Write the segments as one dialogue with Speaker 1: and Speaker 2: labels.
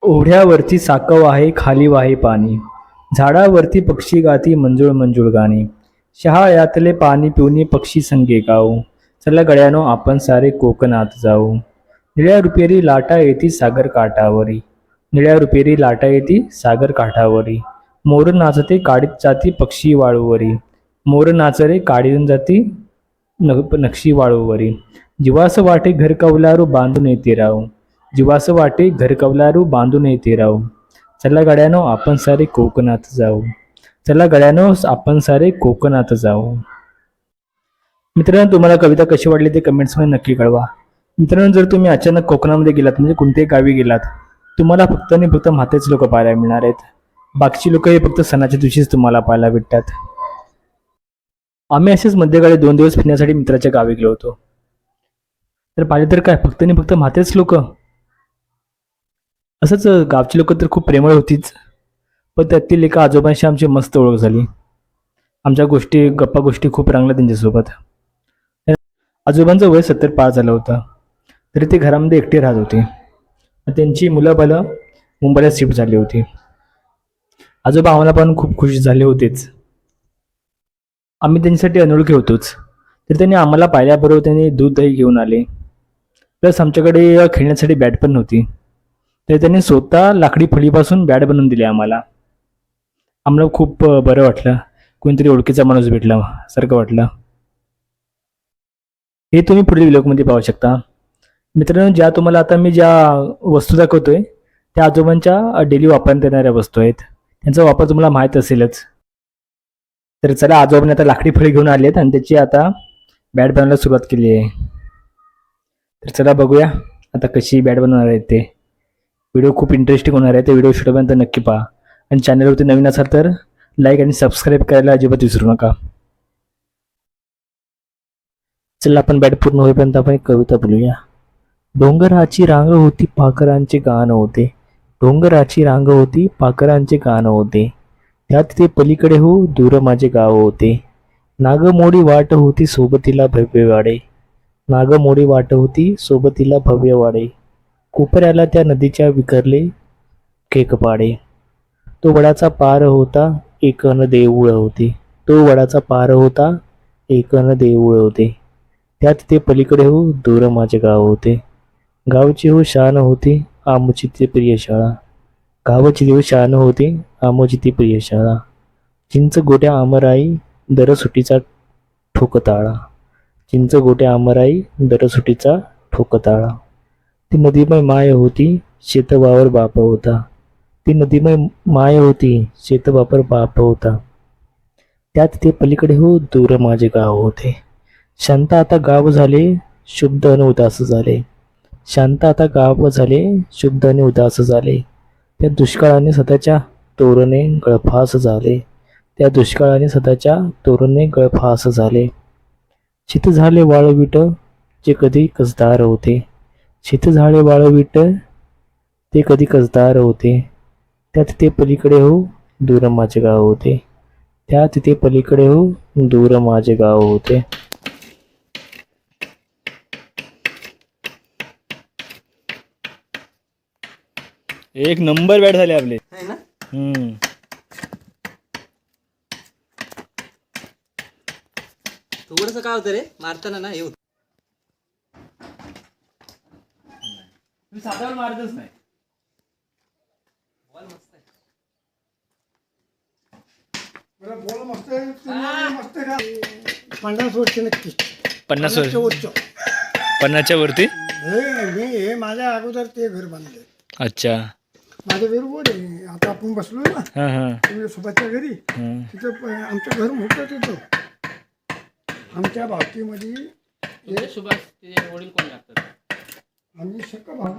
Speaker 1: ओढ्यावरती साकव आहे खाली वाहे पाणी, झाडावरती पक्षी गाती मंजुळ मंजुळ गाणी. शहाळ्यातले पाणी पिऊनी पक्षी संगे गाऊ, चला गड्यानो आपण सारे कोकणात जाऊ. निळ्या रुपेरी लाटा येती सागर काठावरी, निळ्या रुपेरी लाटा येती सागर काठावरी. मोर नाचते काढीत जाती पक्षी वाळूवरी, मोर नाचरे काढीत जाती नक्षी वाळूवरी. जीवास वाटे घर कौलारू बांधून येते राव, जीवास वाटे घर कौलारू बांधून येते राव. चला गड्यानो आपण सारे कोकणात जाऊ, चला गड्यानो आपण सारे कोकणात जाऊ. मित्रांनो, तुम्हाला कविता कशी वाटली ते कमेंट्समध्ये नक्की कळवा. मित्रांनो, जर तुम्ही अचानक कोकणामध्ये गेलात म्हणजे कोणत्याही गावी गेलात, तुम्हाला फक्त आणि फक्त म्हातेच लोक पाहायला मिळणार आहेत. बाकीची लोक हे फक्त सणाच्या दिवशीच तुम्हाला पाहायला भेटतात. आम्ही असेच मध्यकाळी 2 दिवस फिरण्यासाठी मित्राच्या गावी गेलो होतो. तर पाहिले तर काय फक्त आणि फक्त म्हातेच लोक. असंच गावची लोक तर खूप प्रेमळ होतीच, पण त्यातील एका आजोबांशी आमची मस्त ओळख झाली. आमच्या गप्पा गोष्टी खूप रंगल्या त्यांच्यासोबत. आजोबांचं वय 70 पार झालं होतं, तरी ते घरामध्ये एकटे राहत होते. त्यांची मुलं बालं मुंबईला शिफ्ट झाली होती. आजोबा आम्हाला पण खूप खुश झाले होतेच. आम्ही त्यांच्यासाठी अनोळखी होतोच, तर त्यांनी आम्हाला पाहिल्याबरोबर त्यांनी दूध दही घेऊन आले. प्लस आमच्याकडे खेळण्यासाठी बॅट पण नव्हती, तर त्यांनी स्वतः लाकडी फळीपासून बॅट बनवून दिली आम्हाला. आम्हाला खूप बरं वाटलं, कोणीतरी ओळखीचा माणूस भेटला सारखं वाटलं. हे तुम्ही पुढील व्हिडिओमध्ये पाहू शकता. मित्रांनो, तुम्हाला आता मी ज्या वस्तू दाखवतोय त्या आजोबांच्या डेली वापरण्यात येणाऱ्या वस्तू आहेत. त्यांचा वापर तुम्हाला माहीत असेलच. तर चला, आजोबांनी आता लाकडी फळी घेऊन आली आहेत आणि त्याची आता बॅट बनवायला सुरुवात केली आहे. तर चला बघूया आता कशी बॅट बनवणार आहेत ते. व्हिडिओ खूप इंटरेस्टिंग होणार आहे, ते व्हिडिओ शेवटपर्यंत नक्की पहा. आणि चॅनलवरती नवीन असाल तर लाईक आणि सबस्क्राईब करायला अजिबात विसरू नका. चला, आपण बॅट पूर्ण होईपर्यंत आपण एक कविता बोलूया. डोंगराची रांग होती पाखरांचे गाण होते, डोंगराची रांग होती पाखरांचे गाण होते. त्यात ते पलीकडे हो दूर माझे गाव होते. नागमोडी वाट होती सोबतीला भव्य वाडे, नागमोडी वाट होती सोबतीला भव्य वाडे. कोपऱ्याला त्या नदीच्या विखरले केकपाडे. तो वडाचा पार होता एक अन देऊळ होते, तो वडाचा पार होता एक अन देऊळ होते. त्यात ते पलीकडे हो दूर माझे गाव होते. गावची हो शान होती आमुची ती प्रिय शाळा, गावाची देव शान होती आमुची ती प्रिय शाळा. चिंच गोट्या आमराई दरसुटीचा ठोकताळा, चिंच गोट्या आमराई दरसुटीचा ठोकताळा. ती नदीमय माय होती शेतवावर बाप होता, ती नदीमय माय होती शेतवापर बाप होता. त्यात ते पलीकडे हो दूर माझे गाव होते. शांत आता गाव झाले शुद्ध आणि उदास झाले, शांत आता गाव झाले शुद्ध आणि उदास झाले. त्या दुष्काळाने सदाच्या तोरणे गळफास झाले, त्या दुष्काळाने सदाच्या तोरणे गळफास झाले. शीत झाले वाळवीट जे कधी कसदार होते, शीत झाले वाळवीट ते कधी कसदार होते. त्यात ते पलीकडे हो दूर माझे गाव होते, त्यात ते पलीकडे हो दूर माझे गाव होते. एक नंबर बॅट झाले आपले.
Speaker 2: थोडस काय होतं रे मारताना ना, हे होत
Speaker 1: साधारण मारतच नाही.
Speaker 2: बॉल मस्त आहे.
Speaker 3: बॉल मस्त आहे, मस्त आहे. 50 वर्ष नक्की,
Speaker 1: 50 वर्ष,
Speaker 3: वर्ष.
Speaker 1: 50च्या वरती.
Speaker 3: हे माझ्या अगोदर ते घर बांधले.
Speaker 1: अच्छा.
Speaker 3: माझ्या बरोबर आहे. आता आपण बसलो ना
Speaker 1: हां हां
Speaker 3: तुझ्या सोबतच्या घरी, तिथं आमचं घर मोठं तिथं. आमच्या भावकीमध्ये
Speaker 2: सुभाष ते वडील कोण लागतात?
Speaker 3: आम्ही सक्का भाऊ.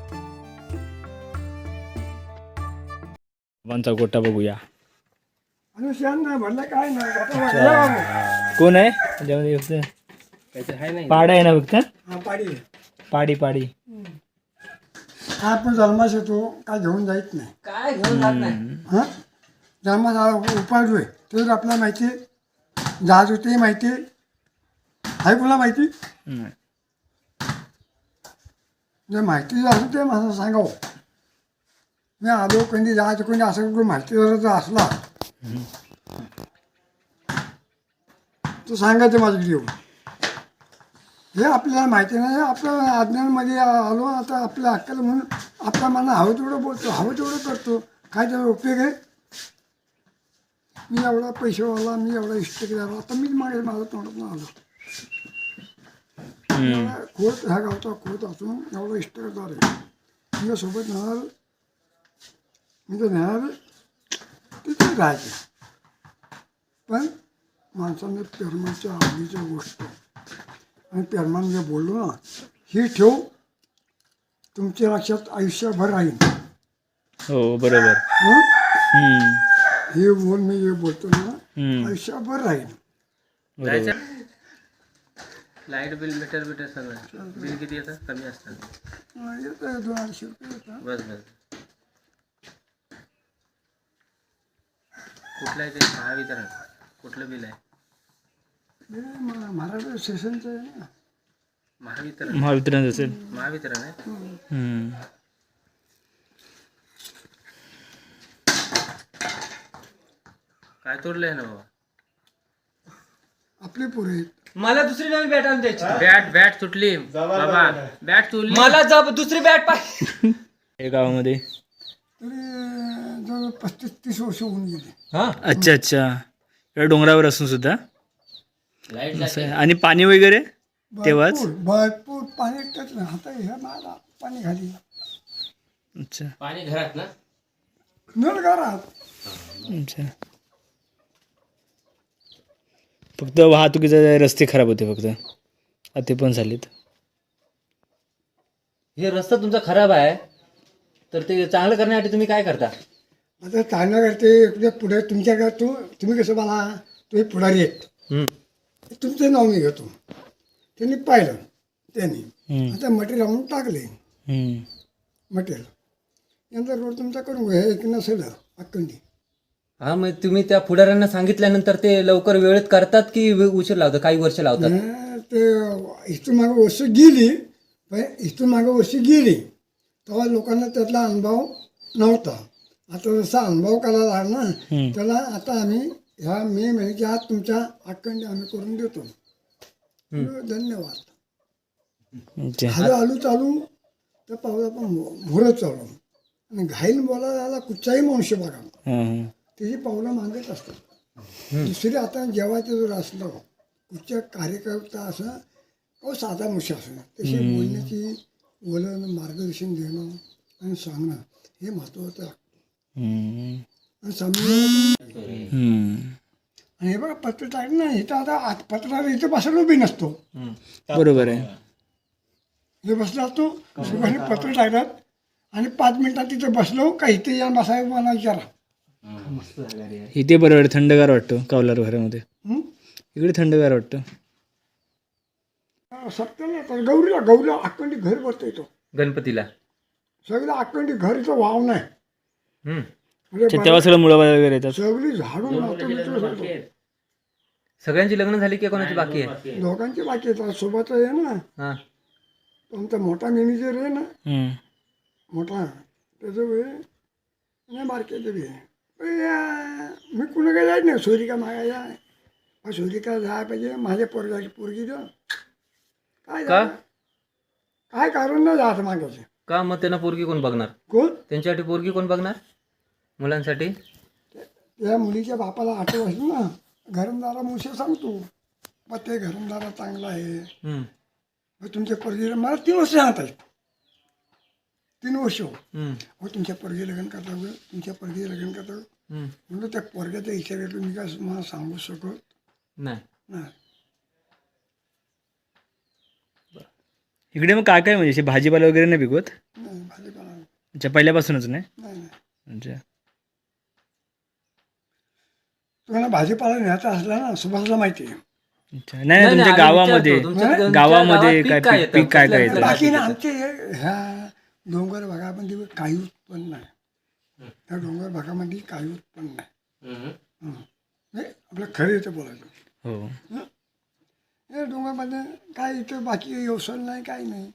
Speaker 1: गोटा बघूया.
Speaker 3: आणि शेण नाही भरलं काय नाही आता बघा.
Speaker 1: कोण आहे त्याच्यामध्ये फक्त पाडा आहे ना फक्त
Speaker 3: हा पाडी आहे.
Speaker 1: पाडी पाडी
Speaker 3: हा आपण जन्मास येतो काय घेऊन जायच नाही
Speaker 2: काय घेऊन जात नाही.
Speaker 3: हां जन्मास उपाडू आहे ते आपल्याला माहिती आहे. जहाज होते माहिती आहे. आहे कुणाला माहिती
Speaker 1: नाही.
Speaker 3: जे माहिती असं ते मला सांगावं. मी आलो कोणी जहाज कोणी असं कुठं माहिती जर असला तो सांगायचं माझ्याकडे येऊन. हे आपल्याला माहिती नाही आपल्या अज्ञानामध्ये आलो आता आपल्या अक्कल म्हणून आपल्या मना हवं तेवढं बोलतो हवं तेवढं करतो. काय त्याचा उपयोग आहे. मी एवढा पैसेवाला मी एवढा इष्ट केला आता मीच मागे माझं तोंडात आलो. खोत ह्या गावचा खोत असून एवढा इष्टदार आहे. तुझ्यासोबत नेणार मी तर नेणार तिथे राहायचं. पण माणसाने पेरमानच्या आवडीच्या गोष्ट आणि पेरमान जे बोललो ना ही ठेव तुमच्या लक्षात आयुष्यभर राहील.
Speaker 1: हो बरोबर.
Speaker 3: हं?
Speaker 1: हम्म,
Speaker 3: हे बोल मी जे बोलतो ना
Speaker 1: हम्म,
Speaker 3: आयुष्यभर राहील.
Speaker 1: बरोबर.
Speaker 2: लाईट बिल मीटर सगळं बिल किती येतं कमी असतं.
Speaker 3: येतं 200 रुपये येतात.
Speaker 2: बस कुठलं आहे ते महावितरण कुठलं बिल आहे.
Speaker 3: हे महाराष्ट्र स्टेशनचं आहे ना.
Speaker 2: महावितरण
Speaker 1: महावितरण असेल.
Speaker 2: महावितरण आहे.
Speaker 1: हम्म.
Speaker 2: काय तोडलंय ना बाबा.
Speaker 3: आपले पुरे आहेत.
Speaker 2: मला दुसरी नवी बॅट आणून द्यायची. बॅट तुटली बाबा. बॅट तुटली मला दुसरी बॅट पाहिजे.
Speaker 1: या गावामध्ये
Speaker 3: तरी जवळ 35-30 वर्ष होऊन गेले.
Speaker 2: हा
Speaker 1: अच्छा अच्छा या डोंगरावर असून सुद्धा
Speaker 2: लाईट
Speaker 1: असं आहे. आणि पाणी वगैरे तेव्हाच
Speaker 3: भरपूर पाणी टच नाही आता ह्या मला पाणी खाली
Speaker 1: अच्छा
Speaker 2: पाणी घरात ना.
Speaker 3: नळ घरात.
Speaker 1: अच्छा फक्त वाहतुकीचे रस्ते खराब होते फक्त आता ते पण झालेत.
Speaker 2: हे रस्ता तुमचा खराब आहे तर ते चांगलं करण्यासाठी तुम्ही काय करता.
Speaker 3: आता चालणं करते इकडे पुढे तुमच्या घरात तुम्ही कसं मला तुम्ही पुढारी आहेत तुमचं नाव मी घेतो. त्यांनी पाहिलं त्यांनी
Speaker 1: हम्म,
Speaker 3: आता मटेरियल आणून टाकले.
Speaker 1: हम्म.
Speaker 3: मटेरियल नंतर रोड तुमचा करून घ्या एक नसेल अक्कंडी.
Speaker 2: हा मग तुम्ही त्या पुढाऱ्यांना सांगितल्यानंतर ते लवकर वेळेत करतात की उशीर लावतात काही वर्ष लावतात.
Speaker 3: ते इथून मागं वर्ष गेली पण इथून मागं वर्ष गेली तेव्हा लोकांना त्यातला अनुभव नव्हता. आता जसा अनुभव करायला लागला ना त्याला आता आम्ही ह्या मे महिन्याच्या आत तुमच्या अक्कंडी आम्ही करून देतो. धन्यवाद.
Speaker 1: अच्छा.
Speaker 3: हळू हळू चालू तर पावला पण भोरत चालू आणि घाईल बोलायला आला कुठचाही मनुष्य बघा
Speaker 1: हां, हां.
Speaker 3: त्याची पावलं मागत असतात. दुसरी आता जेव्हाचं जर असलं कुठच्या कार्यकर्ता असं अहो साधा मनुष्य असं तशी बोलण्याची वलन मार्गदर्शन देणं आणि सांगणं हे महत्त्वाचं आहे.
Speaker 1: हम्म,
Speaker 3: आणि समजून
Speaker 1: हम्म.
Speaker 3: आणि हे बघा पत्र टाकलं ना इथं आता पत्राला इथं बसायला उभी नसतो.
Speaker 1: बरोबर आहे.
Speaker 3: हे बसला असतो सुभाषने पत्र टाकतात आणि 5 मिनिटात तिथं बसलो का इथे या बसायला मला विचारा.
Speaker 1: इथे बरं वाटतं थंडगार वाटतं कावलार घरामध्ये.
Speaker 3: हं?
Speaker 1: इकडे थंडगार वाटतं.
Speaker 3: सप्त्याला तर गौरीला अक्कंडी घर भरता येतो.
Speaker 2: गणपतीला
Speaker 3: सगळं अक्कंडी घर इथं वाव नाही. म्हणजे
Speaker 1: अच्छा, तेव्हा सगळं मुळा वगैरे येतात.
Speaker 3: सगळी झाडून नातं बितं सगळं.
Speaker 2: सगळ्यांची लग्न झाली की कोणाची बाकी आहे.
Speaker 3: दोघांची बाकी येतात सोबत आहे ना
Speaker 2: हा
Speaker 3: आमचा मोठा मॅनेजर आहे ना
Speaker 1: हम्म,
Speaker 3: मोठा त्याचं वेळ नाही बारक्याचं बी आहे. पण मी कुणा काय जायच नाही सोयरिका मागायला सोयरिका जायला पाहिजे माझ्या पोरगाची पोरगी द्या काय
Speaker 2: का?
Speaker 3: काय कारण नाही जायचं मागायचं.
Speaker 2: का मग त्यांना पोरगी कोण बघणार.
Speaker 3: कोण
Speaker 2: त्यांच्यासाठी पोरगी कोण बघणार मुलांसाठी.
Speaker 3: त्या मुलीच्या बापाला आठव असलं ना घरमदारा मुशी सांगतो मग ते घरमदारा चांगला आहे. मग तुमच्या पोरगीला मला 3 वर्ष सांगत आहेत 3 वर्ष हो तुमच्या पोरगी लग्न करता वेळ तुमच्या पोरगी लग्न करता वेळ म्हणून त्या पोरग्याचा विचार तुम्ही काय मला सांगू शकत
Speaker 2: नाही.
Speaker 3: नाही.
Speaker 1: इकडे मग काय काय म्हणजे असे भाजीपाला वगैरे नाही पिकवत.
Speaker 3: नाही भाजीपाला
Speaker 1: अच्छा पहिल्यापासूनच नाही.
Speaker 3: नाही नाही.
Speaker 1: अच्छा
Speaker 3: तुम्हाला भाजीपाला न्यायचा असला ना सुभाषला माहिती आहे.
Speaker 4: अच्छा. नाही नाही, तुमच्या गावामध्ये गावामध्ये काय पीक काय काय येतं?
Speaker 3: बाकी ना आमचे ह्या डोंगर भागामध्ये काही उत्पन्न नाही. त्या डोंगर भागामध्ये काही उत्पन्न नाही. नाही आपलं खरं येतं बोलायचं.
Speaker 4: हो.
Speaker 3: हे डोंगरमध्ये काय इथं बाकी व्यवसाय नाही काही नाही.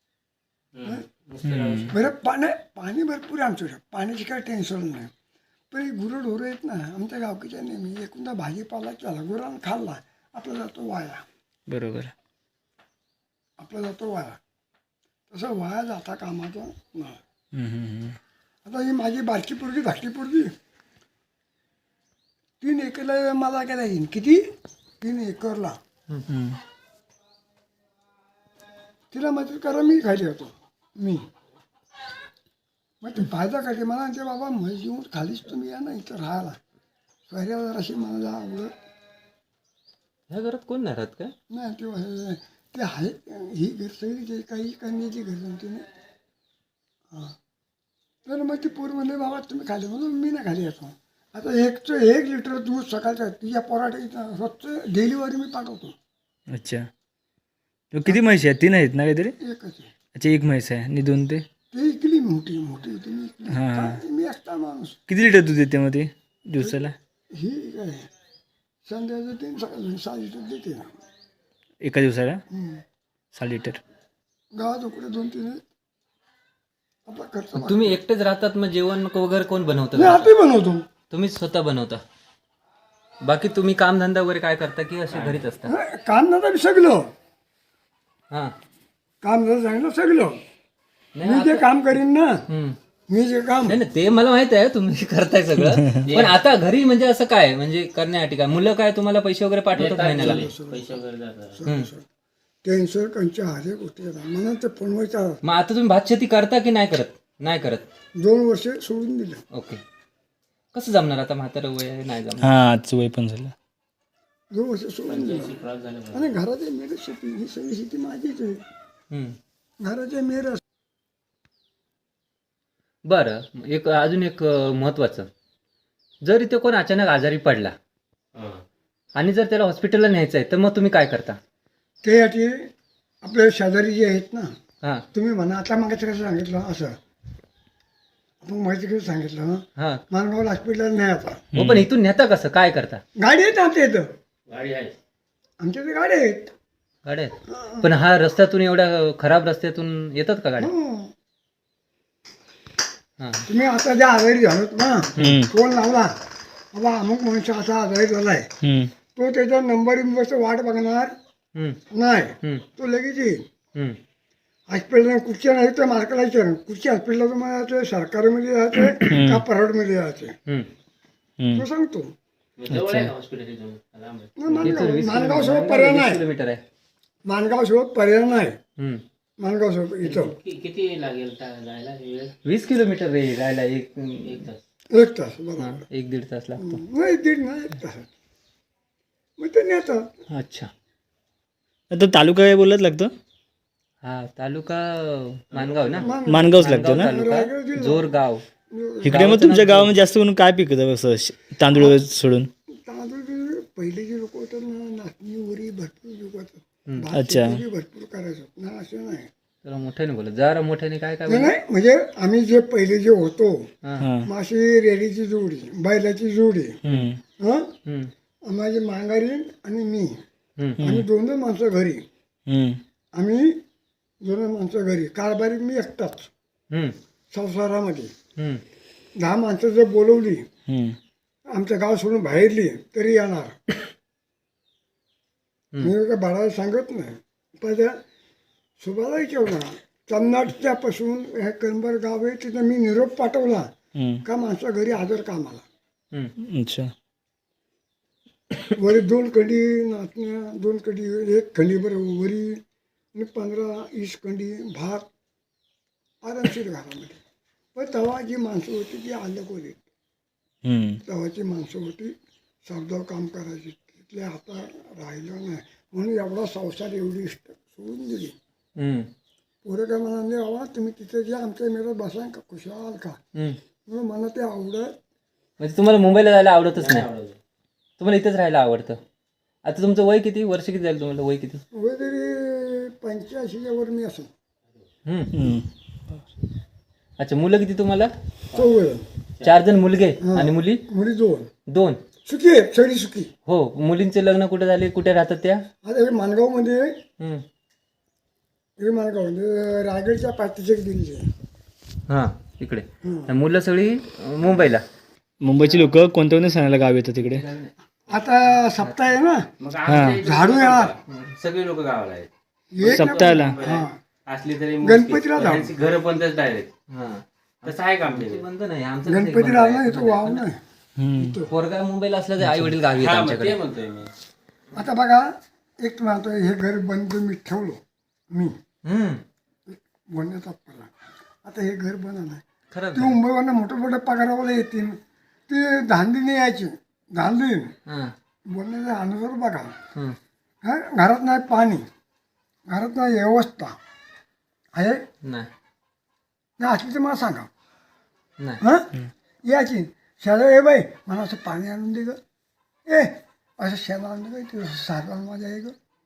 Speaker 3: बरं पाणी भरपूर आहे आमच्याकडे, पाण्याची काही टेन्शन नाही. पण हे गुरं ढोरं आहेत ना आमच्या गावकीच्या नेहमी एकूणदा भाजीपाला केला गुरांना खाल्ला आपला जातो वाया.
Speaker 4: बरोबर.
Speaker 3: आपला जातो वाया. तसं वाया जाता कामाचा नाही. आता ही माझी बारकी पोरगी धाकटी पोरगी 3 एकरला मला काय येईन किती 3 एकरला तिला मदत करा मी खाली होतो मी. मग ते फायदा काय मला ते बाबा म्हैस येऊन खालीच तुम्ही या ना इथं राहायला शहरावर अशी मला आवडत
Speaker 2: ह्या घरात कोण नाही राहत का?
Speaker 3: नाही. ते आहे ही घर सगळी ते काही कन्याची घर नव्हती ना. हां तर मग ती पोर म्हणले बाबा तुम्ही खाली म्हणून मी नाही खाली येतो. आता 1 लिटर दूध सकाळचं तिच्या पोराट स्वच्छ डिलिव्हरी मी पाठवतो.
Speaker 4: अच्छा. किती म्हशी आहेत? 3 आहेत ना काहीतरी?
Speaker 3: एकच आहे
Speaker 4: अच्छा, 1 म्हैस आहे आणि 2 ते?
Speaker 3: ते इकली मोठी तुम्ही इकली.
Speaker 4: हां.
Speaker 3: काय, मी एकटा माणूस.
Speaker 4: किती लिटर दूध येते मध्ये दिवसाला?
Speaker 3: ही काय संध्याचं 3 सकाळी 6 लिटर देते ना.
Speaker 4: एका दिवसाला 6 लिटर.
Speaker 3: गावात उकडे 2-3 आहेत. आपला खर्च
Speaker 2: तुम्ही एकटेच राहतात मग जेवण वगैरे कोण बनवतं?
Speaker 3: मी हाती बनवतो.
Speaker 2: तुम्ही स्वतः बनवता? बाकी तुम्ही कामधंदा वगैरे काय करता की असे घरीच असता?
Speaker 3: काम नव्हतं सगळं
Speaker 2: हां.
Speaker 3: काम जर सांगितलं सगळं
Speaker 2: नाही,
Speaker 3: मी जे काम करीन ना
Speaker 2: हम्म.
Speaker 3: मी जे काम
Speaker 2: नाही नाही, ते मला माहित आहे तुम्ही करताय सगळं. पण आता घरी म्हणजे असं काय म्हणजे करण्यासाठी काय मुलं काय तुम्हाला पैसे वगैरे पाठवतात महिन्याला?
Speaker 3: टेन्शन कंच्या हरे गोष्टी येतात म्हणून ते फोनवर
Speaker 2: मग आता तुम्ही भात शेती करता की नाही करत? नाही करत.
Speaker 3: 2 वर्ष सोडून दिलं.
Speaker 2: ओके. कसं जमणार आता म्हातारं वय आहे, नाही जमणार.
Speaker 4: हां, आजचं वय पण झालं.
Speaker 3: 2 वर्ष सोडून दिलं आणि घराचे मेरे शेती ही सगळी शेती माझीच आहे.
Speaker 2: हम्म.
Speaker 3: घराचे मेर
Speaker 2: बरं अजून एक महत्वाचं, जर इथे कोण अचानक आजारी पडला आणि जर त्याला हॉस्पिटलला न्यायचं आहे तर मग तुम्ही काय करता?
Speaker 3: त्यासाठी आपले शेजारी जे आहेत ना
Speaker 2: हां
Speaker 3: तुम्ही म्हणा आता मागायचं कसं सांगितलं असं आपण माहिती कसं सांगितलं
Speaker 2: हां.
Speaker 3: मानगाव हॉस्पिटलला नाही आता
Speaker 2: हो पण इथून नेता कसं काय करता?
Speaker 3: गाडी आहेत आमच्या इथं आमच्या इथे गाडी आहेत.
Speaker 2: गाड्या आहेत? पण हा रस्त्यातून एवढ्या खराब रस्त्यातून येतात का गाड्या?
Speaker 3: हं.
Speaker 2: हां.
Speaker 3: तुम्ही आता ज्या आजारी झालोत ना फोन लावला बाबा अमुक मनुष्य असा आजारी झालाय तो त्याचा नंबर वाट बघणार
Speaker 2: हम्म.
Speaker 3: नाही.
Speaker 2: हम्म.
Speaker 3: तो लगेच येईल.
Speaker 2: हम्म.
Speaker 3: हॉस्पिटल कुठच्या नाही तर मार्केटला विचार कुठच्या हॉस्पिटलला तुम्हाला जायचं सरकारमध्ये जायचं का प्रायव्हेटमध्ये जायचं
Speaker 2: हम्म.
Speaker 3: तो सांगतो.
Speaker 2: इथून
Speaker 3: मानगाव सोबत पर्याय नाही.
Speaker 2: किलोमीटर आहे.
Speaker 3: मानगाव सोबत पर्याय नाही.
Speaker 2: हम्म.
Speaker 3: मानगाव सोबत इथं
Speaker 5: किती लागेल जायला वेळ?
Speaker 2: 20 किलोमीटर रे राहायला. एक
Speaker 3: 1 तास बरोबर.
Speaker 2: 1-1.5 तास लागतो.
Speaker 3: नाही 1.5 नाही 1 तास मग ते नेतात.
Speaker 2: अच्छा.
Speaker 4: आता तालुका काय बोलत लागतं?
Speaker 2: हा तालुका मानगाव ना?
Speaker 4: मानगावच लागतं ना?
Speaker 2: तालुका जोरगाव.
Speaker 4: इकडे मग तुमच्या गावामध्ये जास्त करून काय पिकतं असं तांदूळ सोडून?
Speaker 3: तांदूळ पहिले जे लोक होतात ना नाचणी वरी भरपूर लोक होतात.
Speaker 4: अच्छा.
Speaker 3: भरपूर करायचं ना असं नाही.
Speaker 2: जरा मोठ्याने बोला, जरा मोठ्याने. काय काय
Speaker 3: नाही म्हणजे आम्ही जे पहिले जे होतो
Speaker 2: हां.
Speaker 3: माशी रेडीची जोडी बैलाची जोडी हा
Speaker 2: हम्म.
Speaker 3: माझी मांगारी आणि मी
Speaker 2: हम्म.
Speaker 3: आम्ही 2 माणसं घरी आम्ही 2 माणसं घरी कारभारी मी एकटाच
Speaker 2: हम्म.
Speaker 3: संसारामध्ये
Speaker 2: हम्म.
Speaker 3: 10 माणसं जर बोलवली आमचं गाव सोडून बाहेरली तरी येणार. मी का बाळाला सांगत नाही पण त्या सुभाला विचारला चन्नाटच्यापासून हे कनबर गाव आहे तिथं मी निरोप पाठवला का माणसा घरी हजर कामाला.
Speaker 2: हम्म.
Speaker 4: अच्छा.
Speaker 3: वरी 2 खंडी नाचण्या 2 खंडी 1 खंडी बरं वरी आणि 15-20 खंडी भात आरामशीर घरामध्ये. पण तेव्हा जी माणसं होती ती अलग होती. तेव्हाची माणसं होती सावधाव काम करायची तिथले आता राहिलं नाही म्हणून एवढा संसार एवढी सोडून दिली.
Speaker 2: हम्म.
Speaker 3: पोरं काय म्हणाले बाबा तुम्ही तिथे जे आमच्या मेळात बसा का खुशाल का
Speaker 2: हम्म.
Speaker 3: म्हणून मला ते आवडत.
Speaker 2: म्हणजे तुम्हाला मुंबईला जायला आवडतच नाही? तुम्हाला इथेच राहायला आवडतं. आता तुमचं वय किती, वर्ष किती झालं तुम्हाला, वय किती?
Speaker 3: वय तरी 85च्या वर मी असेल.
Speaker 2: हम्म. अच्छा, मुलं किती तुम्हाला?
Speaker 3: 4
Speaker 2: 4 जण मुलगे आणि मुली
Speaker 3: मुली 2.
Speaker 2: 2.
Speaker 3: सुखी आहे, सगळी सुखी.
Speaker 2: हो, मुलींचे लग्न कुठे झाले, कुठे राहतात त्या?
Speaker 3: आता हे माणगावमध्ये
Speaker 2: हम्म.
Speaker 3: हे माणगाव म्हणजे रायगडच्या पाठीचे दिल्ली आहे.
Speaker 2: हां, इकडे. मुलं सगळी मुंबईला.
Speaker 4: मुंबईची लोक कोणत्या कोणत्या सणाला गाव येतात तिकडे?
Speaker 3: आता सप्ताह आहे ना,
Speaker 5: मग
Speaker 4: हा.
Speaker 3: झाडू येणार.
Speaker 5: सगळी लोक गावाला आहेत.
Speaker 3: एक ना-
Speaker 4: सप्ताहाला
Speaker 3: हा.
Speaker 5: असली तरी
Speaker 3: गणपतीला जाऊ.
Speaker 5: घर बंदच डायरेक्ट.
Speaker 2: हां.
Speaker 5: तसं आहे का आमच्याकडे?
Speaker 2: बंद नाही, आमचं कसं एक
Speaker 3: गणपतीला
Speaker 2: बंद
Speaker 3: ना
Speaker 2: आहे.
Speaker 3: इथं वाव नाही.
Speaker 4: हम्म.
Speaker 2: पोरगा मुंबईला असलं तर आई वडील गावी आहेत
Speaker 5: हा, मग
Speaker 2: आमच्याकडे.
Speaker 5: ते म्हणतोय मी.
Speaker 3: आता बघा, एक म्हणतो हे घर बंद मी ठेवलो, मी
Speaker 2: हम्म.
Speaker 3: बोलण्याचा पडला. आता हे घर बंद नाही.
Speaker 2: खरंच
Speaker 3: ते मुंबईवरनं मोठे मोठे पगारावाला येतील, ते धांदीने यायचे, धांदी
Speaker 2: हां.
Speaker 3: बोलण्याचा अनुसार बघा.
Speaker 2: हम्म.
Speaker 3: हा, घरात नाही पाणी, घरात नाही व्यवस्था आहे
Speaker 2: नाही
Speaker 3: नाही असली तर मला सांगा.
Speaker 2: नाही.
Speaker 3: हां यायची शाळा, ए बाई मला असं पाणी आणून दे ग, ए असं शेण आणून दे ग, ते सारला माझ्या आहे ग.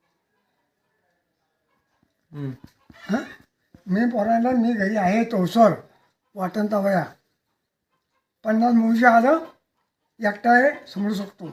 Speaker 2: हम्म.
Speaker 3: हां मी पोरांना मी घरी आहे तोसर वाटण वया 50 मुंशी आलं एकटा आहे समजू शकतो.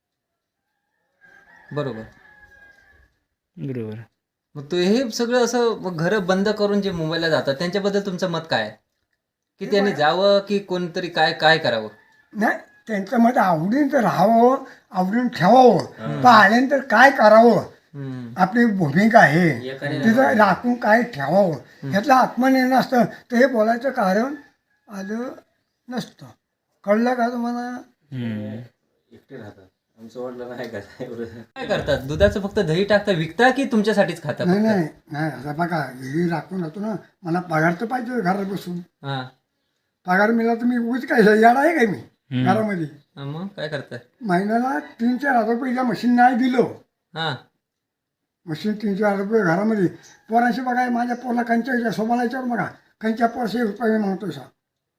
Speaker 2: बरोबर.
Speaker 4: बरोबर.
Speaker 2: मग तो हे सगळं असं घरं बंद करून जे मुंबईला जातात त्यांच्याबद्दल तुमचं मत काय आहे? की त्यांनी जावं की कोणतरी काय काय करावं?
Speaker 3: नाही त्यांचं मत आवडीन तर राहावं, आवडीन ठेवावं, पण आल्यानंतर काय करावं
Speaker 2: हम्म.
Speaker 3: आपली भूमिका आहे तिथं राखून काय ठेवावं ह्यातलं आत्मनिर्णय असतं. तर हे बोलायचं कारण आलं नसतं. कळलं का तुम्हाला?
Speaker 4: हम्म.
Speaker 5: एकटे राहतात. आमचं वाटलं नाही का एवढं.
Speaker 2: काय करतात? दुधाचं फक्त दही टाकता विकता की तुमच्यासाठीच खाता?
Speaker 3: नाही नाही नाही आता बघा घरी राखून राहतो ना, मला पगार तर पाहिजे घरात बसून.
Speaker 2: हां.
Speaker 3: पगार मिळाला तर मी उगाच काय याड आहे काय मी घरामध्ये.
Speaker 2: मग काय करताय?
Speaker 3: महिन्याला 3-4 रुपये मशीन नाही दिलं,
Speaker 2: हां.
Speaker 3: मशीन 3-4 रुपये घरामध्ये पोरांशी बघा. माझ्या पोरला कंच्या सोमाला याच्यावर बघा, कंच्या पोरशे रुपये मी म्हणतो सा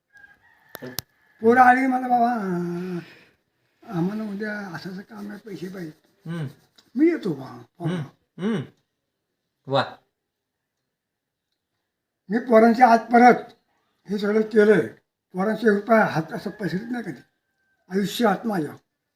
Speaker 3: पोरं आली मला, बाबा आम्हाला उद्या असं असं काम आहे, पैसे पाहिजे.
Speaker 2: हम्म.
Speaker 3: मी येतो बा पोरं.
Speaker 2: हम्म. वा.
Speaker 3: मी पोरांच्या आत परत हे सगळं केलंय. पोरांचे रुपये हात असं पसरत नाही कधी आयुष्यात माझ्या.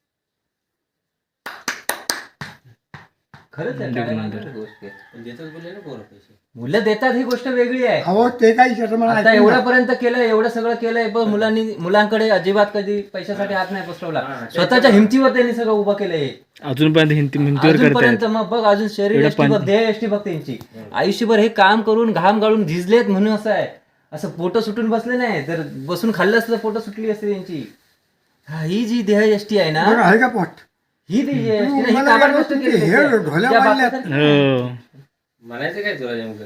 Speaker 2: खरंच आहे, काय माहिती गोष्ट आहे.
Speaker 5: पण देतात बोलले ना पोरं पैसे.
Speaker 2: मुलं देतात ही गोष्ट वेगळी आहे.
Speaker 3: अहो ते काही विचारतं मला
Speaker 2: आता
Speaker 3: ऐकून घ्या.
Speaker 2: एवढ्यापर्यंत केलंय, एवढं सगळं केलंय, पण मुलांकडे अजिबात कधी पैशासाठी हात नाही पसरवला. स्वतःच्या हिमतीवर त्यांनी सगळं उभं केलंय.
Speaker 4: अजूनपर्यंत हिमतीवर
Speaker 2: अजूनपर्यंत
Speaker 4: करतायत.
Speaker 2: मग बघ, अजून शरीर यष्टी बघ, देह यष्टी बघ त्यांची. आयुष्यभर हे काम करून घाम गाळून झिजलेत म्हणून असं आहे. असं पोटं सुटून बसले नाही, जर बसून खाल्लं असतं तर पोटं सुटली असते त्यांची. ही जी देह यष्टी आहे ना,
Speaker 3: बघा, आहे का पोट?
Speaker 2: ही देह यष्टी ना, ही
Speaker 3: मला
Speaker 2: काबाड
Speaker 3: काय
Speaker 2: गोष्ट
Speaker 3: वाटतं
Speaker 2: केली
Speaker 3: ते हे
Speaker 2: त्यांची.
Speaker 3: ढोल्या
Speaker 2: ज्या
Speaker 3: बांधल्यात.
Speaker 2: बापाचं-
Speaker 4: हो.
Speaker 5: म्हणायचं काय तुला नेमकं?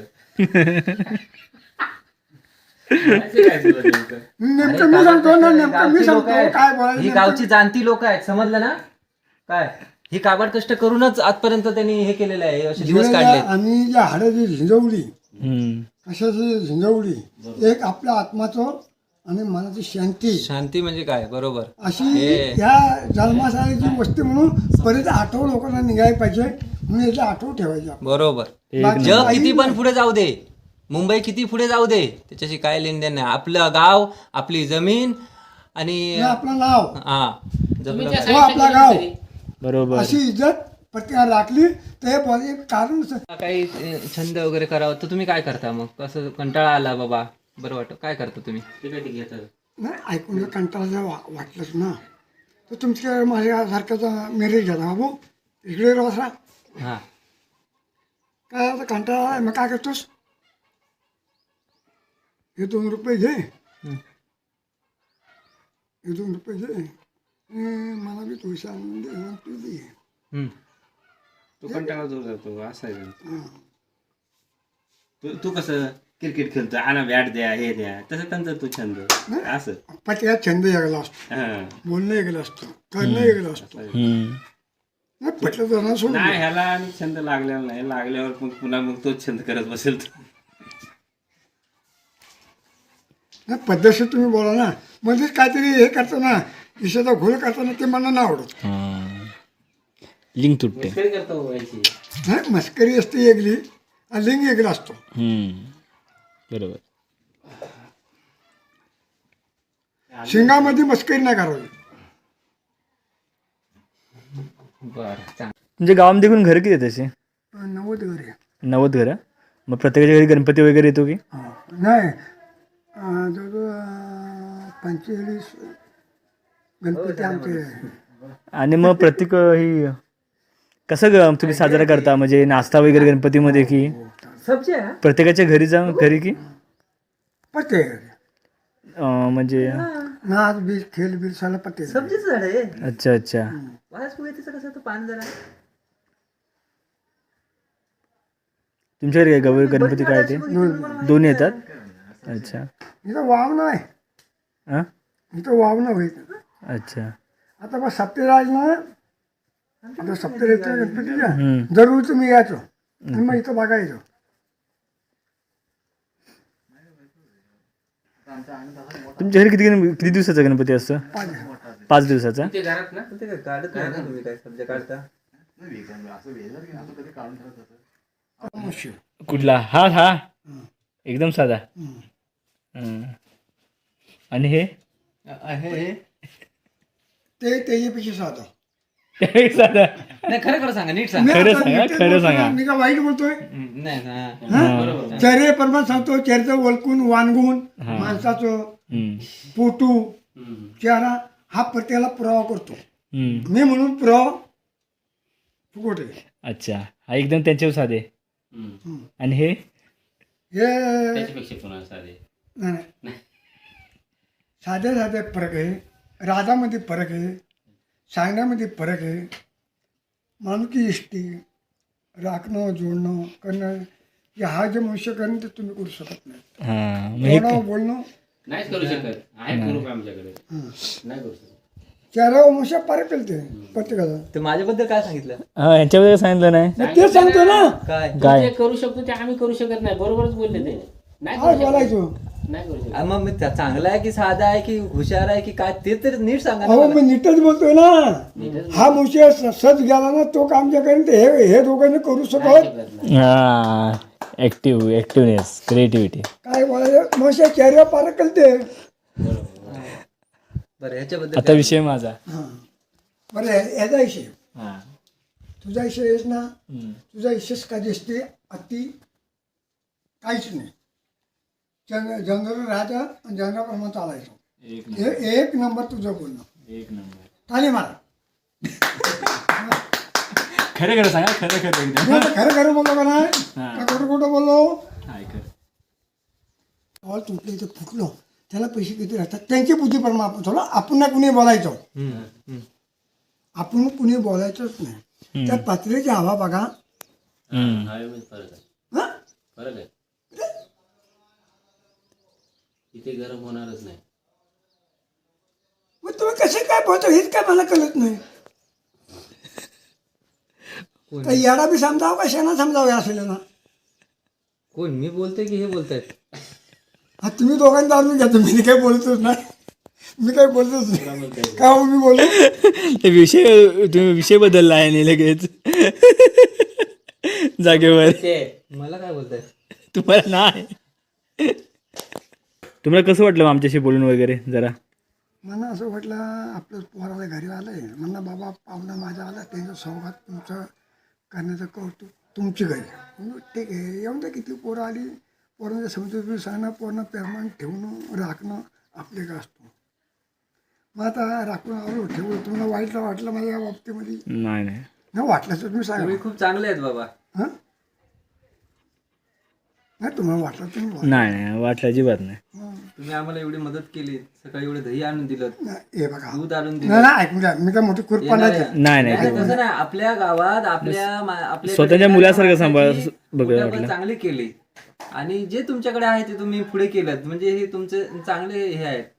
Speaker 5: म्हणायचं काय तुला नेमकं?
Speaker 3: नेमकं मी सांगतो ना, नेमकं मी
Speaker 2: गावची लोकं
Speaker 3: सांगतो
Speaker 2: आहेत.
Speaker 3: काय बोलायचं
Speaker 2: ही
Speaker 3: नेमकं.
Speaker 2: गावची जाणती लोक आहेत, समजलं ना? काय ही काबाड कष्ट करूनच आजपर्यंत त्यांनी हे केलेलं आहे, असे दिवस काढले.
Speaker 3: आम्ही ज्या हाडाची झिंजवली,
Speaker 4: हम्म.
Speaker 3: कशाची झिंजवली, एक आपल्या आत्माचं आणि मनाची शांती
Speaker 2: शांती म्हणजे काय? बरोबर.
Speaker 3: अशी
Speaker 2: हे.
Speaker 3: या जन्मासाळीची गोष्ट म्हणून परत आठव लोकांना निघायला पाहिजे म्हणून याची आठव ठेवायची आपण.
Speaker 2: बरोबर.
Speaker 3: बाकी
Speaker 2: जग
Speaker 3: काही
Speaker 2: किती पण
Speaker 3: नाही.
Speaker 2: पुढे जाऊ दे, मुंबई किती पुढे जाऊ दे, त्याच्याशी काय लेनदेन नाही. आपलं गाव, आपली जमीन आणि
Speaker 3: हे आपलं नाव,
Speaker 2: हा जपलं पाहिजे.
Speaker 3: हो आपला गाव,
Speaker 4: बरोबर.
Speaker 3: अशी इज्जत प्रत्येकाला राखली तर हे बोलायचं एक कारण असतं.
Speaker 2: काही छंद वगैरे करावं तर तुम्ही काय करता मग? कसं कंटाळा आला बाबा, बरं वाटतं, काय करता तुम्ही?
Speaker 5: तिकडे घेतात.
Speaker 3: नाही ऐकून जर कंटाळा जर वाटलंच ना तर तुमच्या माझ्यासारख्याचा मेरेज घ्या बाबू, इकडे बसा.
Speaker 2: हा.
Speaker 3: काय आता कंटाळा आहे, मग काय करतोस? हे 2 रुपये घे, हे 2 रुपये घे, मला बी थोडीशी आणून दे, मग तू बी घे.
Speaker 2: हम्म.
Speaker 5: तू कंटाळा दूर करतो असं आहे का? तू कसं क्रिकेट खेळतो, आणा बॅट द्या, हे द्या, तसं त्यांचा तू छंद असं.
Speaker 3: प्रत्येकात छंद वेगळा असतो,
Speaker 5: हा.
Speaker 3: बोलणं वेगळं असतं, करणं वेगळं असतं.
Speaker 4: हम्म.
Speaker 3: नाही पटलं तर ना सोडून
Speaker 5: नाही,
Speaker 3: दे.
Speaker 5: ह्याला आणि छंद लागलेला नाही, लागल्यावर मग पुन्हा मग तोच छंद करत बसेल तो.
Speaker 3: नाही पद्धतशीर तुम्ही बोला ना, मध्येच काहीतरी हे करतो ना, विषयाचा घोळ करताना ते मला नाही आवडत.
Speaker 4: हा. लिंक तुटते.
Speaker 5: मस्करी करतो व्हायची.
Speaker 3: नाही मस्करी असते वेगळी आणि लिंग वेगळा असतो.
Speaker 4: बरोबर.
Speaker 3: शिंगामध्ये मस्करी नाही करावी.
Speaker 2: बरं
Speaker 4: म्हणजे गावामध्ये एकूण घर किती आहेत तसे?
Speaker 3: 90 घर आहे.
Speaker 4: 90 घरं. मग प्रत्येकाच्या घरी गणपती वगैरे येतो की?
Speaker 3: नाही जवळजवळ 45 गणपती आमचे आहे.
Speaker 4: आणि मग प्रत्येक ही कसं तुम्ही साजरा करता, म्हणजे नाश्ता वगैरे गणपतीमध्ये की प्रत्येकाच्या घरी जाऊन घरी की
Speaker 3: पत्ते
Speaker 4: म्हणजे?
Speaker 3: नाच बीज खेळ बीज सगळं पत्ते.
Speaker 2: सब्जीचं झाड आहे.
Speaker 4: अच्छा अच्छा.
Speaker 2: वास पुढे कसं तो पान जरा
Speaker 4: तुमच्याकडे काय गौरी गणपती काय ते दोन्ही येतात? अच्छा
Speaker 3: इथं वाव नाही.
Speaker 4: हां
Speaker 3: इथं वाव नाही होईल.
Speaker 4: अच्छा.
Speaker 3: आता बस सप्तेराज ना आता सप्तेराजच्या गणपतीच्या जरूर तुम्ही यायचो आणि मग इथं बघायचो.
Speaker 4: तुमच्या घरी किती दिवसाचा गणपती असतो? 5 दिवसाचा.
Speaker 5: ते घरात ना
Speaker 2: ते काय काढत नाही ना तुम्ही, काय सब्जी काढता?
Speaker 4: कुठला? हा एकदम साधा. आणि हे
Speaker 3: ते त्याच्यापेक्षा साधा.
Speaker 4: साधा.
Speaker 2: नाही खरं खरं सांगा, नीट सांगा.
Speaker 4: खरं सांगा, खरं सांगा.
Speaker 3: मी का वाईट बोलतोय?
Speaker 2: नाही ना.
Speaker 3: चेहरे प्रमाण सांगतो. चेहऱ्याचं वळकून वानगून माणसाचं फोटो चेहरा हा प्रत्येकाला पुरावा करतो. मी म्हणून पुरावा फुकट आहे.
Speaker 4: अच्छा. हा एकदम त्यांच्यावर साधे. आणि हे
Speaker 5: त्याच्यापेक्षा पुन्हा साधे.
Speaker 3: नाही साधे साधे फरक आहे. राजामध्ये फरक आहे, सांगण्यामध्ये फरक आहे. माणुकी इष्टी राखणं जोडणं करणं हे हा जे मनुष्य करणं ते तुम्ही करू शकत नाही.
Speaker 4: हा म्हणजे
Speaker 3: बोलणं
Speaker 5: नाहीच करू शकत. आहे ग्रुप आमच्याकडे, नाही करू शकत.
Speaker 3: चेहऱ्यावर मनुष्य फरक केलते प्रत्येकाला.
Speaker 2: तर माझ्याबद्दल काय सांगितलं?
Speaker 4: हा यांच्याबद्दल सांगितलं नाही
Speaker 3: मग ते सांगतो ना
Speaker 2: काय
Speaker 4: काय?
Speaker 5: ते करू शकतो ते आम्ही करू शकत नाही. बरोबरच बोलले ते. नाही
Speaker 3: काय
Speaker 5: करू शकत.
Speaker 3: बोलायचो.
Speaker 5: नाही करू शकत.
Speaker 2: मग मी चांगला आहे की साधा आहे की हुशार आहे की काय ते तर नीट सांगा ना
Speaker 3: अहो
Speaker 2: मला.
Speaker 3: मी नीटच बोलतोय ना. हा मनुष्य सज गेला ना तो काम जे करेन ते हे दोघांनी करू शकत.
Speaker 4: हा ऍक्टिव्हनेस क्रिएटिव्हिटी.
Speaker 3: काय बोलायचं मनुष्य चेहऱ्यावर फरक केलते.
Speaker 2: बरं ह्याच्याबद्दल
Speaker 4: आता विषय माझा.
Speaker 3: बरं याचा विषय
Speaker 4: हा
Speaker 3: तुझा विषय आहेस ना. तुझा विशेष काय दिसते अति काहीच नाही. जनरल राहायचं आणि जनरलप्रमाणे चालायचं. एक नंबर तुझं बोलणं.
Speaker 4: एक नंबर.
Speaker 3: ताली मारा.
Speaker 4: खरं सांगा. खरं
Speaker 3: मी आता खरं बोललो का नाही का खोटं बोललो. हॉल तुटलं इथं फुटलो त्याला पैसे किती राहतात त्यांची बुद्धी परमा आपण थोडं आपण ना कुणी बोलायचं. आपण कुणी बोलायचंच नाही. त्या पत्र्याची हवा बघा.
Speaker 5: हवेमध्ये फरक आहे.
Speaker 3: हा
Speaker 5: फरक आहे. इथे गरम होणारच नाही.
Speaker 3: मग तुम्ही कसे काय बोलतो हेच काय मला कळत नाही. तर याला बी समजावं का शेणा समजावं असेल ना.
Speaker 2: कोण मी बोलतोय की हे बोलतायत?
Speaker 3: हा तुम्ही दोघांनी जाणून घ्या. तुम्ही काही बोलतोच नाही. मी काही बोलतोच नाही. का हो मी बोलतो
Speaker 4: तुम्ही विषय बदलला आहे आणि लगेच जागेवर.
Speaker 2: मला काय बोलताय?
Speaker 4: तुम्हाला नाही. तुम्हाला कसं वाटलं आमच्याशी बोलून वगैरे जरा?
Speaker 3: मला असं वाटलं आपलं पोराला घरी आलंय म्हणलं बाबा पाहुणा माझा आला त्यांचं सौगात तुमचं करण्याचं कौतुक तुमची घरी. म्हणून ठीक आहे येऊन तर किती पोरं आली. पोरांच्या समजून सांगणं पोरांना प्रेमान ठेवणं राखणं आपले का असतो. मग आता राखून आलो ठेवलं. तुम्हाला वाईट वाटलं माझ्या या बाबतीमध्ये?
Speaker 4: नाही
Speaker 3: वाटलं तर तुम्ही सांगा.
Speaker 2: तुम्ही खूप चांगले आहेत बाबा.
Speaker 3: हां नाही तुम्हाला वाटलं तुम्ही बोला.
Speaker 4: नाही वाटलं अजिबात नाही.
Speaker 2: तुम्ही आम्हाला एवढी मदत केली. सकाळी एवढं दही आणून दिलं,
Speaker 3: हे बघा
Speaker 2: दूध आणून
Speaker 3: नाही
Speaker 2: दिलं.
Speaker 3: नाही ऐकून घ्या. मी काय मोठी खुरपा
Speaker 4: नाही
Speaker 2: तसं नाही. आपल्या गावात आपल्या
Speaker 4: स्वतःच्या मुलासारखं सांभाळ बघायला वाटलं.
Speaker 2: चांगली केली आणि जे तुमच्याकडे आहे ते तुम्ही पुढे केलं म्हणजे हे तुमचे चांगले हे आहेत.